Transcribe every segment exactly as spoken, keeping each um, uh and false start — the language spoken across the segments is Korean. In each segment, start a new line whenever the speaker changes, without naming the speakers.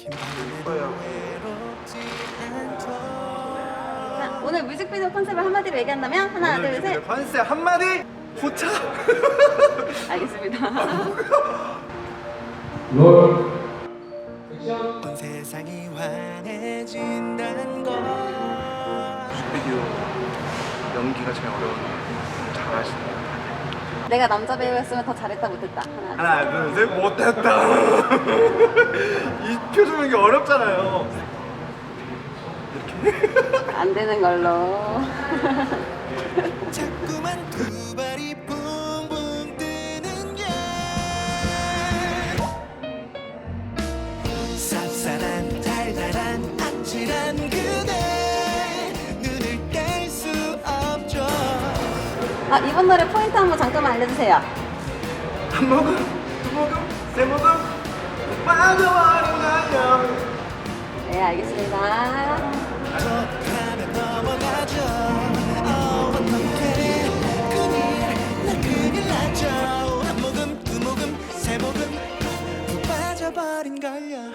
자, 오늘 뮤직비디오 컨셉을 한마디로 얘기한다면 하나, 둘, 셋.
컨셉 한마디 포차.
알겠습니다.
롤
온 세상이 환해진다는 걸. 뮤직비디오 연기가 제일 어려운데 잘하시네요.
내가 남자 배우였으면 더 잘했다 못했다. 하나,
하나 둘 셋 못했다. 이 표정 연기 어렵잖아요.
안 되는 걸로.
자꾸만 두 발이 붕붕 뜨는 게 쌉쌀한 달달한 아찔한 그대 눈을 뗄 수 없죠.
아, 이번 노래 포인트 한번 잠깐만 알려주세요.
한 모금 두 모금 세 모금 빠져버린 거야.
네, 알겠습니다.
척하면 넘어가죠. 어, 어떡해 큰일 나 큰일 났죠. 한 모금 두 모금 세 모금 푹 빠져버린 걸요.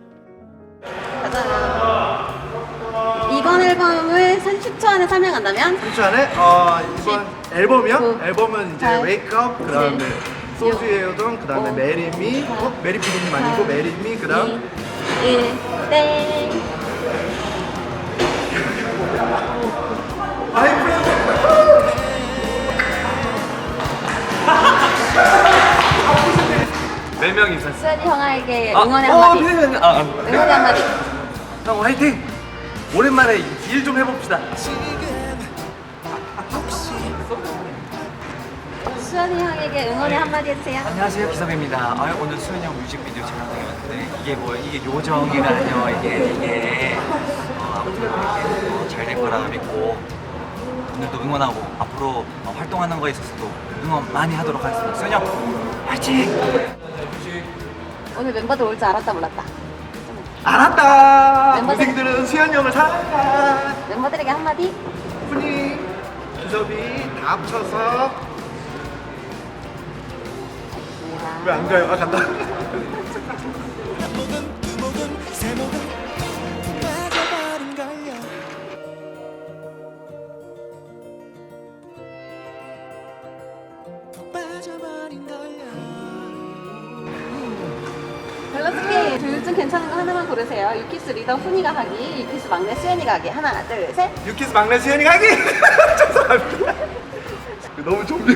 가자. 이번 앨범을 삼십 초 안에 설명한다면?
삼 초 안에 어, 이번 앨범이요?
구,
앨범은 이제
팔,
Wake Up 그 다음에
칠,
소주의 요정 그 다음에
오,
메리미 어? 메리 피디님 아니고 메리미 그 다음
이, 일, 땡.
네 명이서
수현이 형에게
아,
응원의
어,
한마디.
네, 네, 네. 아, 아.
응원의 한마디.
형 화이팅! 오랜만에 일 좀 해봅시다.
수현이 형에게 응원의 한마디 해주세요.
안녕하세요, 기섭입니다. 아, 오늘 수현이 형 뮤직비디오 촬영장에 왔는데 이게 뭐 이게 요정이라뇨 이게 이게 어, 아무튼 이렇게 어, 잘 될 거라 믿고 오늘도 응원하고 앞으로 어, 활동하는 거에 있어서도 응원 많이 하도록 하겠습니다. 수현이 형 화이팅!
오늘 멤버들 올 줄 알았다 몰랐다.
알았다.
멤버들-
동생들은 수현이 형을 사랑한다.
멤버들에게 한마디.
훈이 기섭이 다 합쳐서 왜 안 가요? 아 간다. 한 모금 두 모금 세 모금 빠져버린 걸요. 푹 빠져버린 걸요.
밸런스게임 둘 중 괜찮은 거 하나만 고르세요. 유키스 리더 훈이가 가기, 유키스 막내 수현이가 가기. 하나, 둘, 셋.
유키스 막내 수현이 가기. 죄송합니다. 너무 좀비.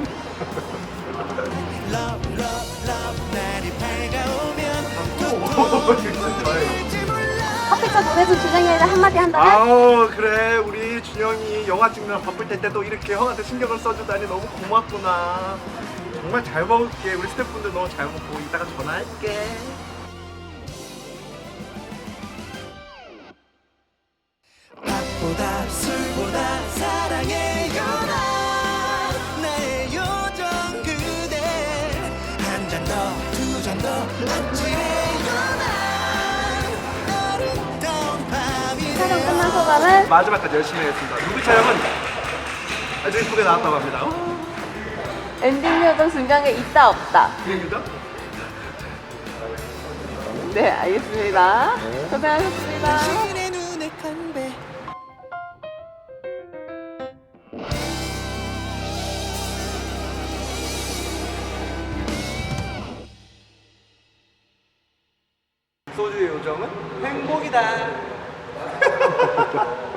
커피차 보내준 준영이에게 한마디 한다면?
아우 그래 우리 준영이 영화 찍느라 바쁠 때 때도 이렇게 형한테 신경을 써주다니 너무 고맙구나. 정말 잘 먹을게. 우리 스태프분들 너무 잘 먹고 이따가 전화할게. 밥보다 술보다 사랑해요 나 나의 요정 그대 한 잔 더 두 잔 더 아찔해요 나 아름다운 밤이
촬영 끝난 소감은?
마지막까지 열심히 했습니다. 뮤비 촬영은 아주 예쁘게 나왔다고 합니다.
엔딩 요정 중간에 있다 없다.
비행기죠?
네, 알겠습니다. 고생하셨습니다.
당신의 눈에 간배 소주의 요정은 행복이다.